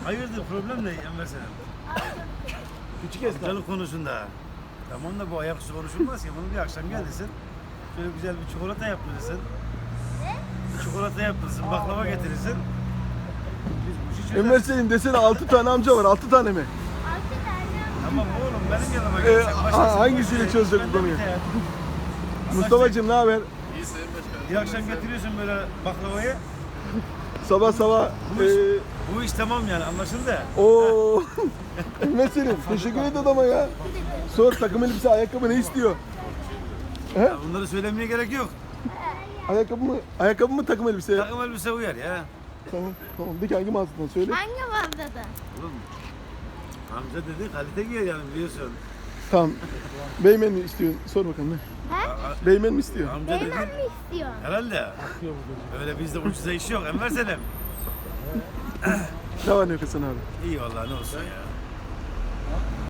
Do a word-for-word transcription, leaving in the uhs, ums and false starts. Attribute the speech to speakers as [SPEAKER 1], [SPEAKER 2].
[SPEAKER 1] Hayırdır problem ne Enver Selam?
[SPEAKER 2] Küçük esnaf.
[SPEAKER 1] Amcalık konusunda. Tamam da bu ayaküstü konuşulmaz ki. Bunu bir akşam gelirsin. Şöyle güzel bir çikolata yaptırırsın. Bir çikolata yaptırırsın, baklava getirirsin. Biz bu işi çözeriz.
[SPEAKER 2] Enver Selim desene altı tane amca var. altı tane mi?
[SPEAKER 3] Altı tane.
[SPEAKER 1] Tamam oğlum benim yanıma
[SPEAKER 2] Ee,
[SPEAKER 1] gelsen.
[SPEAKER 2] ha-
[SPEAKER 1] başkasının
[SPEAKER 2] hangisiyle
[SPEAKER 1] başına-
[SPEAKER 2] çözecek
[SPEAKER 1] Ben
[SPEAKER 2] bu
[SPEAKER 1] de
[SPEAKER 2] konuyu?
[SPEAKER 1] bir de ya.
[SPEAKER 2] Mustafa'cığım ne haber?
[SPEAKER 1] Bir akşam getiriyorsun böyle baklavayı.
[SPEAKER 2] Sabah sabah
[SPEAKER 1] Bu iş,
[SPEAKER 2] eee
[SPEAKER 1] bu iş tamam yani anlaşıldı.
[SPEAKER 2] o Enver Selim teşekkür et adama ya. Sor takım elbise ayakkabı ne istiyor? He?
[SPEAKER 1] Ya bunları söylemeye gerek yok.
[SPEAKER 2] Ayakkabı mı? Ayakkabı mı takım elbise?
[SPEAKER 1] Takım elbise uyar ya.
[SPEAKER 2] Tamam tamam de ki hangi mağazadan söyle.
[SPEAKER 3] Hangi mağazada?
[SPEAKER 1] Oğlum amca dedi kalite giyer yani biliyorsun.
[SPEAKER 2] Tamam. Beymen mi istiyorsun? Sor bakalım ne?
[SPEAKER 3] He?
[SPEAKER 1] A-
[SPEAKER 2] Beymen mi istiyor?
[SPEAKER 1] Amca dedi.
[SPEAKER 3] Beymen mi istiyorsun?
[SPEAKER 1] Herhalde. Öyle bizde ucuza iş yok Enver Selim.
[SPEAKER 2] Ne var ne yok Hasan abi?
[SPEAKER 1] İyi vallahi ne olsun ya.